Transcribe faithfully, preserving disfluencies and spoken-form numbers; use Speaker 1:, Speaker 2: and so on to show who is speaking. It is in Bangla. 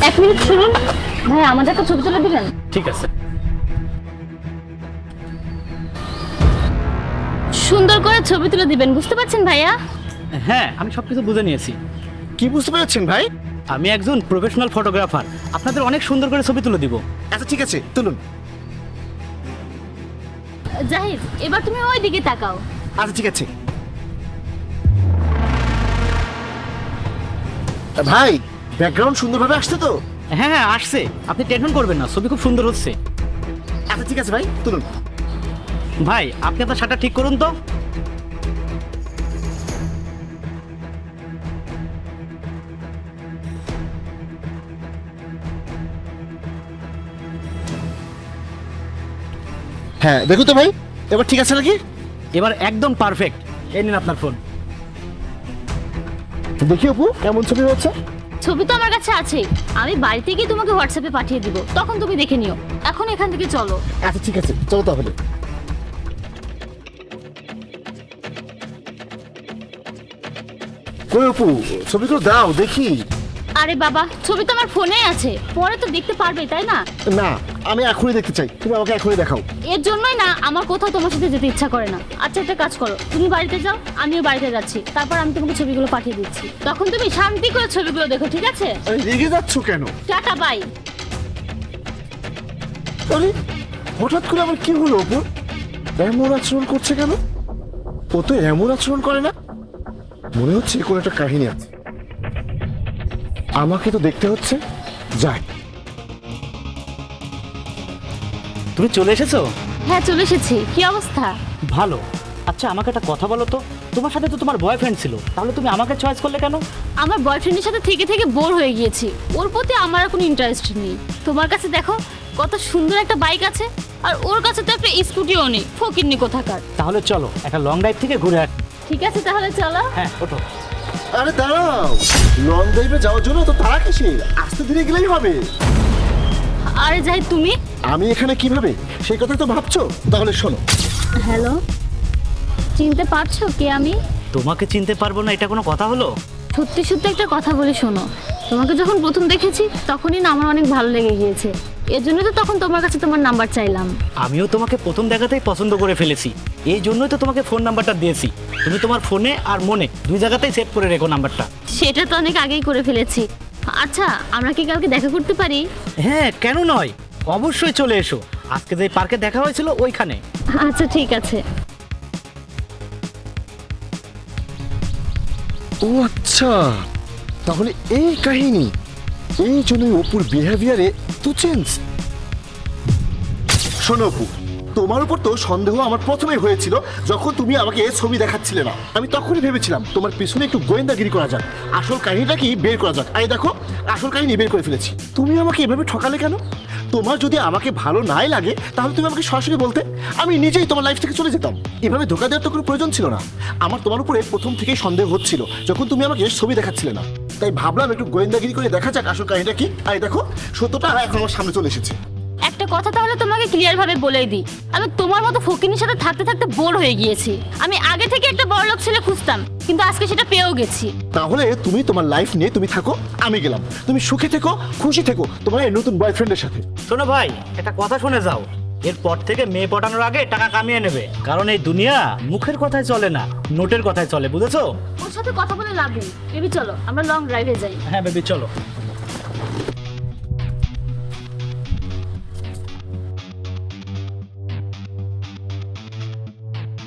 Speaker 1: এক মিনিট শুনুন ভাই, আমাদের একটা ছবি তুলে দিবেন?
Speaker 2: ঠিক আছে।
Speaker 1: সুন্দর করে ছবি তুলে দিবেন, বুঝতে পারছেন ভাইয়া?
Speaker 2: হ্যাঁ, আমি সবকিছু বুঝে নিয়েছি।
Speaker 3: কি বুঝতে পেরেছেন ভাই?
Speaker 2: আমি একজন প্রফেশনাল ফটোগ্রাফার, আপনাদের অনেক সুন্দর করে ছবি তুলে দিব।
Speaker 3: আচ্ছা ঠিক আছে, তুলুন।
Speaker 1: জাহিদ, এবার তুমি ওই দিকে তাকাও।
Speaker 3: আচ্ছা ঠিক আছে ভাই, ব্যাকগ্রাউন্ড সুন্দরভাবে আসছে তো?
Speaker 2: হ্যাঁ হ্যাঁ আসছে, আপনি টেনশন করবেন না, ছবি খুব সুন্দর হচ্ছে।
Speaker 3: আচ্ছা ঠিক আছে ভাই, তুলুন।
Speaker 2: ভাই আপনি আপনার শার্টটা ঠিক করুন তো।
Speaker 3: হ্যাঁ দেখো তো ভাই, এবার ঠিক আছে নাকি?
Speaker 2: এবার একদম পারফেক্ট। এই নিন আপনার ফোন।
Speaker 3: দেখি অপু কেমন ছবি হচ্ছে।
Speaker 1: ছবি তো আমার কাছে আছে, আমি বাড়িতে গিয়ে তোমাকে হোয়াটসঅ্যাপে পাঠিয়ে দিব, তখন তুমি দেখে নিও। এখন এখান থেকে চলো।
Speaker 3: আচ্ছা ঠিক আছে, চলো তাহলে। কই অপু, ছবিগুলো দাও দেখি।
Speaker 1: আরে বাবা, ছবি তো আমার ফোনেই আছে, পরে তো দেখতে পারবে, তাই না?
Speaker 3: না, আমি এখনই দেখতে চাই, তুমি আমাকে এখনই দেখাও।
Speaker 1: এর জন্যই না আমার কোথাও তোমার সাথে যেতে ইচ্ছা করে না। আচ্ছা একটা কাজ করো, তুমি বাড়িতে যাও, আমিও বাড়িতে যাচ্ছি, তারপর আমি তোমাকে ছবিগুলো পাঠিয়ে দিচ্ছি, তখন তুমি শান্তি করে ছবিগুলো দেখো, ঠিক আছে?
Speaker 3: আরে রেগে যাচ্ছ কেন?
Speaker 1: Tata bye.
Speaker 3: আরে হঠাৎ করে আবার কি হলো অপু? এমন আচরণ করছে কেন? ও তো এমন আচরণ করে না। মনে হচ্ছে কোনো একটা কাহিনী আছে। আমাকে তো দেখতে হচ্ছে, যাই।
Speaker 2: তুমি চলে এসেছো?
Speaker 1: হ্যাঁ চলে এসেছি। কি অবস্থা?
Speaker 2: ভালো। আচ্ছা আমাকে একটা কথা বলো তো, তোমার সাথে তো তোমার বয়ফ্রেন্ড ছিল, তাহলে তুমি আমাকে চয়েস করলে কেন?
Speaker 1: আমার বয়ফ্রেন্ডের সাথে থেকে থেকে বোর হয়ে গিয়েছি, ওর প্রতি আমার আর কোনো ইন্টারেস্ট নেই। তোমার কাছে দেখো কত সুন্দর একটা বাইক আছে, আর ওর কাছে তো একটা স্কুটিও নেই, ফকিন্নি কোথাকার।
Speaker 2: তাহলে চলো একটা লং ড্রাইভ থেকে ঘুরে আসি।
Speaker 1: ঠিক আছে তাহলে চলো।
Speaker 2: হ্যাঁ ওঠো।
Speaker 3: আরে দাঁড়াও, লং ড্রাইভে যাওয়ার জন্য তো তারা কিসের? আস্তে ধীরে গেলেই হবে।
Speaker 1: আরে যাই, তুমি
Speaker 3: আমি এখানে কিভাবে, সেই কথা তো ভাবছো? তাহলে শোনো।
Speaker 1: হ্যালো, চিনতে পারছো কে আমি?
Speaker 2: তোমাকে চিনতে পারবো না এটা কোনো কথা হলো?
Speaker 1: সত্যি সত্যি একটা কথা বলে শোনো, তোমাকে যখন প্রথম দেখেছি তখনই না আমার অনেক ভালো লেগে গিয়েছে, এর জন্য তো তখন তোমার কাছে তোমার নাম্বার চাইলাম।
Speaker 2: আমিও তোমাকে প্রথম দেখাতেই পছন্দ করে ফেলেছি, এই জন্যই তো তোমাকে ফোন নাম্বারটা দিয়েছি। তুমি তোমার ফোনে আর মনে দুই জায়গাতেই সেভ করে রেখো নাম্বারটা।
Speaker 1: সেটা তো অনেক আগেই করে ফেলেছি। আচ্ছা আমরা কি কালকে দেখা করতে পারি?
Speaker 2: হ্যাঁ কেন নয়, অবশ্যই চলে এসো। আজকে যে পার্কে দেখা হয়েছিল ওইখানে।
Speaker 1: আচ্ছা ঠিক আছে।
Speaker 3: ও আচ্ছা, তাহলে এই কাহিনী, এই জন্যই অপুর বিহেভিয়ারে তো চেঞ্জ। শোনো অপু, তোমার উপর তো সন্দেহ আমার প্রথমে হয়েছিল যখন তুমি আমাকে এই ছবি দেখাচ্ছিলে না। আমি তখনই ভেবেছিলাম তোমার পিছনে একটু গোয়েন্দাগিরি করা যাক, আসল কাহিনীটা কি বের করা যাক। আরে দেখো, আসল কাহিনী বের করে ফেলেছি। তুমি আমাকে এভাবে ঠকালে কেন? তোমার যদি আমাকে ভালো নাই লাগে তাহলে তুমি আমাকে সরাসরি বলতে, আমি নিজেই তোমার লাইফ থেকে চলে যেতাম। এভাবে ধোকা দেওয়ার তো কোনো প্রয়োজন ছিল না। আমার তোমার উপরে প্রথম থেকেই সন্দেহ হচ্ছিল যখন তুমি আমাকে ছবি দেখাচ্ছিলে না, তাই ভাবলাম একটু গোয়েন্দাগিরি করে দেখা যাক আসল কাহিনীটা কি। আরে দেখো, সত্যটা এখন আমার সামনে চলে এসেছে।
Speaker 1: একটা কথা তাহলে তোমাকে ক্লিয়ার ভাবে বলেই দিই, আমি তোমার মতো ফকিনীর সাথে থাকতে থাকতে বোর হয়ে গিয়েছি। আমি আগে থেকে একটা বড়লোক ছেলে খুঁজতাম, কিন্তু আজকে সেটা পেয়েও গেছি।
Speaker 3: তাহলে তুমি তোমার লাইফ নিয়ে তুমি থাকো, আমি গেলাম। তুমি সুখে থেকো, খুশি থেকো তোমার এই নতুন বয়ফ্রেন্ডের সাথে।
Speaker 2: শোনো ভাই, একটা কথা শুনে যাও, এরপর থেকে মেয়ে পটানোর আগে টাকা কামিয়ে নেবে, কারণ এই দুনিয়া মুখের কথায় চলে না, নোটের কথায় চলে, বুঝেছো?
Speaker 1: ওর সাথে কথা বলে লাভ নেই। বেবি চলো আমরা লং ড্রাইভে যাই।
Speaker 2: হ্যাঁ বেবি চলো।